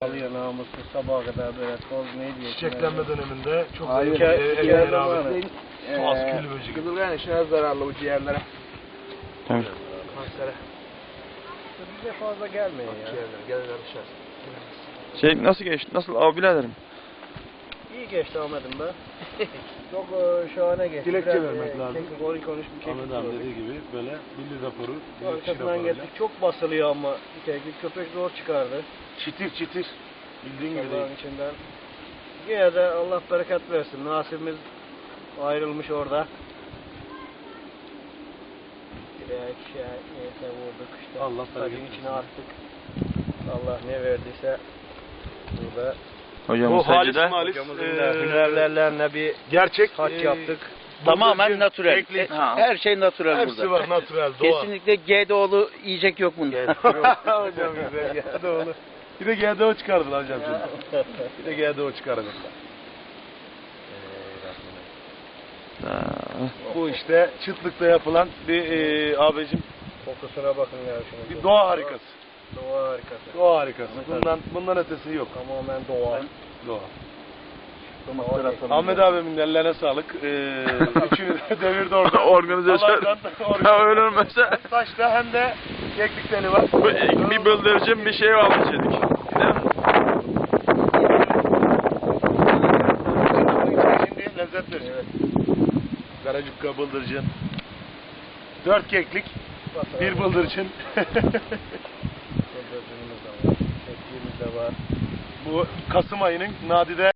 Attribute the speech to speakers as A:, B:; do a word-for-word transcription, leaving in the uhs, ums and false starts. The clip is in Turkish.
A: Alıyor namussuz sabaha kadar böyle toz ne diyor?
B: Çiçeklenme döneminde çok
A: Hayır,
B: zayıf
A: iki- iki
B: eline
A: yerden
B: rağmen
A: var.
B: tuhaf
A: Ee,
B: kül böceği.
A: Kıdırgan işine zararlı bu ciğerlere.
C: Tabii.
B: Kansere.
A: Bize fazla gelmiyor ya.
B: Ciğerler, gelirler dışarı.
C: Şey nasıl geçti? Nasıl abi biraderim?
A: İyi geçti Ahmet'im be. Çok e, şahane geçti.
B: Dilekçe
A: Biraz,
B: vermek
A: e,
B: lazım.
A: Kekik oy konuş bir kekik
B: Ahmet abi
A: gördük.
B: dediği gibi böyle milli raporu, bilirkişi
A: Arkasından
B: raporu.
A: geldik. Çok basılıyor ama kekik köpek zor çıkardı.
B: Çitir çitir. Bildiğin gibi
A: Allah'ın
B: değil.
A: içinden. Yine de Allah bereket versin. Nasibimiz ayrılmış orada. Direk şey neyse vurduk işte.
B: Allah bereket
A: Sacın içine
B: versin.
A: attık. Allah ne verdiyse burada
C: Hocam
B: Bu halis
C: secde.
B: malis
A: hocamızın
B: eee,
A: da hünerlerle bir
B: gerçek
A: saç
B: eee,
A: yaptık.
D: Tamamen
B: bıldırcın,
D: natürel.
B: keklik.
D: E, Her şey natürel
B: Hepsi
D: burada.
B: var natürel, doğa.
D: Kesinlikle G D O'lu yiyecek yok bunda.
B: Hocam güzel G D O'lu. Bir de G D O çıkardılar hocam şimdi. Bir de G D O çıkardılar.
C: Ha,
B: Bu işte çıtlıkta yapılan bir eee abicim
A: Kokusuna bakın ya şunu.
B: bir doğa harikası.
A: Doğa harikası.
B: Doğa harikası. Bundan bundan ötesi yok.
A: Tamamen doğa.
B: Doğa.
A: Doğa.
B: Ahmet abimin ellerine sağlık. Ee, üçünü de devirdi orada.
C: Organizasyon.
B: Allah'tan
C: Ha, öyle olmasa
B: Saçta hem de keklik teli var.
C: bir bıldırcın bir şey almış dedik. Değil mi?
B: Şimdi lezzet verecek. Karacukka bıldırcın. Dört keklik. Bir bıldırcın.
A: Bıldırcınımız da var. Kekliğimiz de var.
B: Bu Kasım ayının nadide